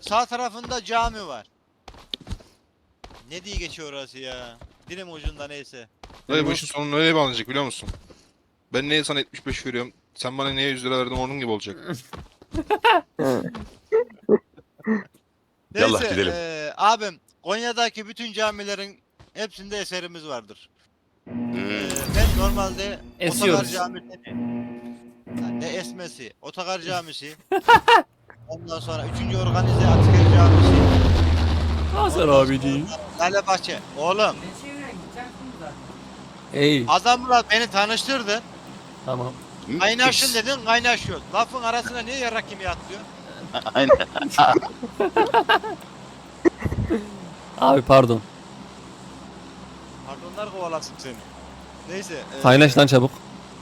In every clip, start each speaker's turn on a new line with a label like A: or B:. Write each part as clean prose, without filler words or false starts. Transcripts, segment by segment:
A: sağ tarafında cami var. Ne diye geçiyor orası ya? Dilim ucunda neyse.
B: Dayı bu işin sonu nereye bağlanacak biliyor musun? Ben neye sana 75 veriyorum? Sen bana neye 100 lira verdin onun gibi olacak.
C: Yallah
A: Neyse
C: gidelim.
A: abim Konya'daki bütün camilerin hepsinde eserimiz vardır. Ben normalde
D: Esiyoruz.
A: Otogar Camisi'ni, yani ne esmesi, Otogar Camisi, ondan sonra 3. Organize Asker Camisi,
D: Hasan abiciğim.
A: Lale Bahçe. Oğlum
D: Ey
A: adamla beni tanıştırdın.
D: tamam.
A: Kaynaşın dedin kaynaşıyor. Lafın arasına niye yarrak gibi atlıyor?
C: Aynen.
D: Abi pardon.
A: Pardonlar kovalasın seni. Neyse.
D: Kaynaş lan çabuk.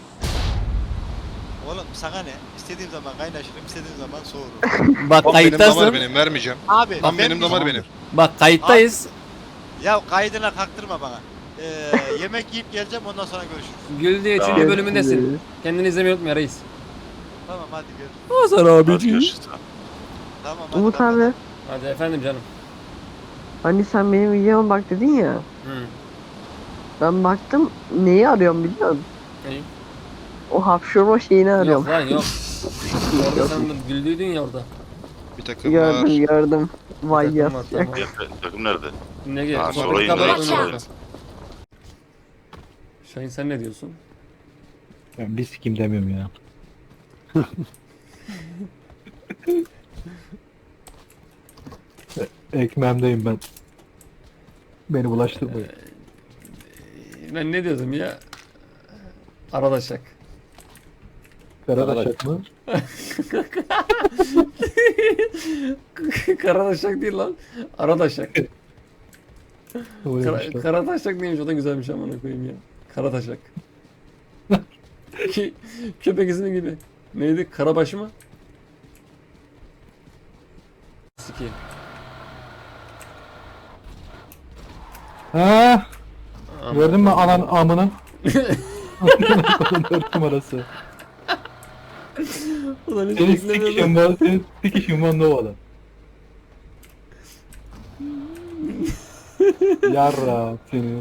A: Oğlum sana ne? İstediğim zaman kaynaşırım, istediğim zaman soğurum.
D: Bak
B: Lan benim damar
D: kayıttasın.
B: benim vermeyeceğim.
A: Abi
B: Lan
A: ben
B: benim damar benim.
D: Bak kayıttayız.
A: Ya kaydına kaktırma bana. Yemek yiyip geleceğim ondan sonra görüşürüz.
D: Gül diye
C: Tamam.
D: 3. bölümündesin. Kendini izlemeyi unutma reis.
A: Tamam hadi görüşürüz.
D: Hasan
C: Hadi
D: abiciğim.
C: görüşürüz.
A: Tamam hadi.
E: Umut
A: kapat.
E: abi,
D: Hadi efendim canım.
E: hani sen benim videoma bak dedin ya.
D: Hı.
E: Ben baktım, neyi arıyorum biliyor musun?
D: İyi.
E: O hapşurma şeyini
D: Yok
E: arıyorum.
D: lan yok. Orada sen de güldüydün ya orada.
B: Bir takım var.
E: Gördüm. Vay
D: Takım var,
E: yaz.
D: tamam.
C: Takım nerede?
D: Ne
C: Ha,
D: gerek?
C: sonra
D: Sohbeti
C: indireyim,
D: kapat.
C: sonra
D: Şahin sen ne diyorsun?
F: Ben bir sikim demiyorum ya. Ekmeğimdeyim ben. Beni bulaştırmayın.
D: Ben ne diyordum ya? Aradaşak.
F: Karadaşak mı?
D: Karadaşak değil lan. Aradaşak.
F: Öyle işte.
D: Karataşak neymiş o da güzelmiş amına koyayım ya. Karataşak. Köpek ismi gibi. Neydi? Karabaş mı? Siki.
F: Ha,
D: Aman.
F: gördün mü anan amını? 4 numarası.
D: Ulan hiç
F: Senin
D: beklemiyordum.
F: sikişin var, senin sikişin var Nova'da. Yarra seni.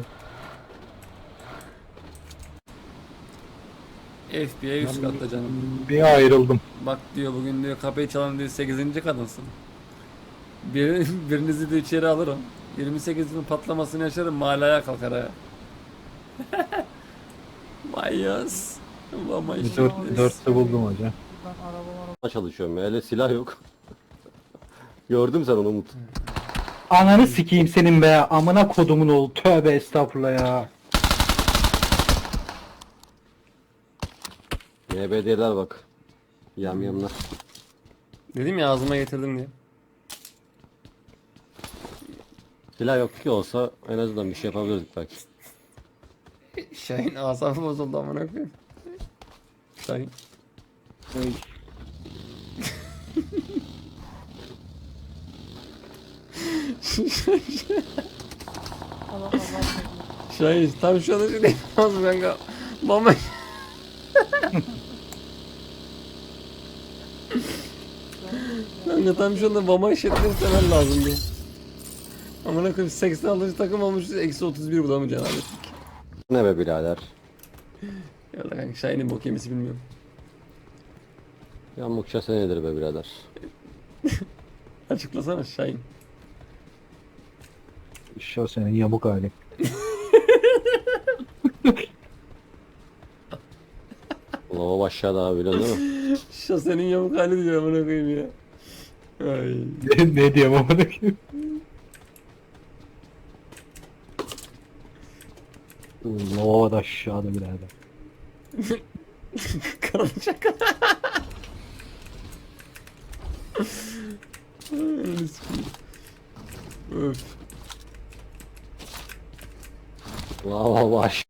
D: FBI üst katta canım.
F: Bir ayrıldım.
D: Bak diyor bugün diyor kapıyı çalan diyor 8. kadınsın. Birinizi de içeri alırım. 28'in patlamasını yaşarım mahalleye kalkar ha. Mayas. Vamayas.
F: 4'te buldum hocam.
G: çalışıyorum ya. Öyle silah yok. Gördüm sen onu Umut.
F: Ananı sikeyim senin be. Amına kodumun oğlu. Tövbe estağfurullah ya.
G: YBD'ler bak. Yamyamlar.
D: Dedim ya ağzıma getirdim diye.
G: Silah yok ki olsa en azından bir şey yapabilirdik belki.
D: Şahin asabı bozuldu amına koyayım. Şahin. Şahin tam şu anda şey yapamaz kanka. Mama. Kanka tam şu anda mama işletmeyi istemen lazımdı. Amına koyayım 80 alıcı takım olmuşuz eksi 31 bulamayacaksın abi.
G: Ne be birader.
D: Ya da kanka Şahin'in bok yemesi bilmiyorum.
G: Yamukça senedir be birader.
D: Açıklasana Şahin.
F: Şu senin yamuk hali.
G: Lava aşağıda abi biliyorsun değil mi?
D: Şasenin yamuk hali diyor amına koyayım ya. Ay.
F: Ne diyeyim amına koyayım. Nova da aşağıda birader.
D: Karılacak. Öf.
G: Lava aşağı.